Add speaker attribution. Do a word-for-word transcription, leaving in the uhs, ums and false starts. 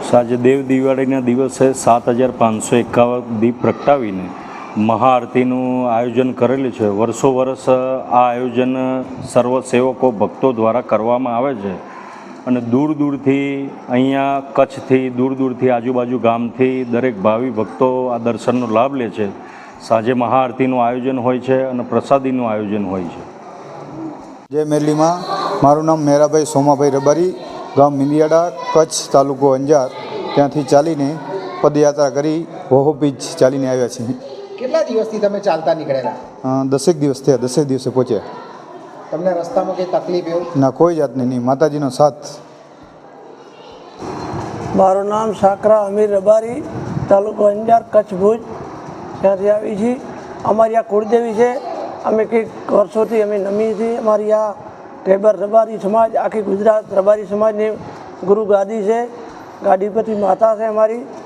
Speaker 1: આજે દેવ દિવાળીના દિવસે સાત હજાર પાંચસો એકાવન દીપ પ્રગટાવીને મહાઆરતીનું આયોજન કરેલું છે। વર્ષો વર્ષ આ આયોજન સર્વ સેવકો ભક્તો દ્વારા કરવામાં આવે છે અને દૂર દૂરથી અહીંયા કચ્છથી દૂર દૂરથી આજુબાજુ ગામથી દરેક ભાવિ ભક્તો આ દર્શનનો લાભ લે છે। સાંજે મહાઆરતીનું આયોજન હોય છે અને પ્રસાદીનું આયોજન હોય છે।
Speaker 2: જય મેરલીમાં, મારું નામ મેરાભાઈ સોમાભાઈ રબારી, ગામ મિંદિયાળા, કચ્છ, તાલુકો અંજાર, ત્યાંથી ચાલીને પદયાત્રા કરી વહુ બીજ ચાલીને આવ્યા છીએ।
Speaker 3: કેટલા દિવસથી તમે ચાલતા નીકળેલા?
Speaker 2: દસેક દિવસ થયા, દસેક દિવસે પહોંચ્યા।
Speaker 3: તમને રસ્તામાં કંઈ તકલીફ એવું?
Speaker 2: ના, કોઈ જાતની નહીં, માતાજીનો સાથ।
Speaker 4: મારું નામ સાકરા અમીર રબારી, તાલુકો અંજાર, કચ્છ, ભુજ, ત્યાંથી આવી છીએ। અમારી આ કુળદેવી છે, અમે કંઈક વર્ષોથી અમે નમીએ છીએ। અમારી આ ઢેબર રબારી સમાજ, આખી ગુજરાત રબારી સમાજની ગુરુ ગાદી છે, ગાદીપતિ માતા છે અમારી।